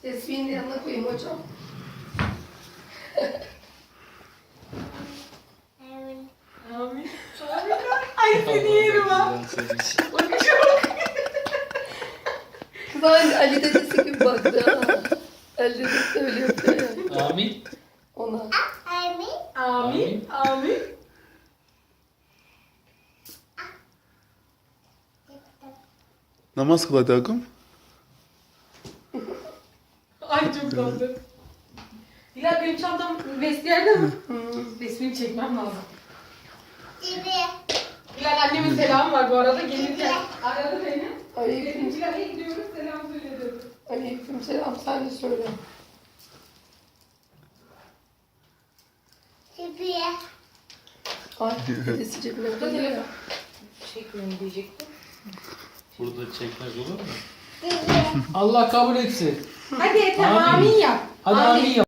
Tesbihin yanına koyayım hocam. Amin. Amin. Ay seni yerim ha. Bakışa bak. Kız Ali dedesi gibi baktı ha. Ali dedesi öyle yapıyor ya. Amin. Ona. Amin. Amin. Amin. Namaz kıl hadi Akım. Ay çok tatlı. Hilal benim çantam vestiyerde mi? Resmini çekmem lazım. Gibi. Hilal annemin selamı var bu arada. Gelirken aradı beni. Dedim Aleyküm, Hilal'e gidiyoruz selam söyle dedi. aleyküm selam. Sen de söyle. Gibi. Ay dedesi cebine Burada koyuyor ya. telefon. Çekmiyorum diyecektim. Burada çekmez olur mu? Gibi. Allah kabul etsin. Hadi Ethem Amin. amin yap. Hadi amin yap.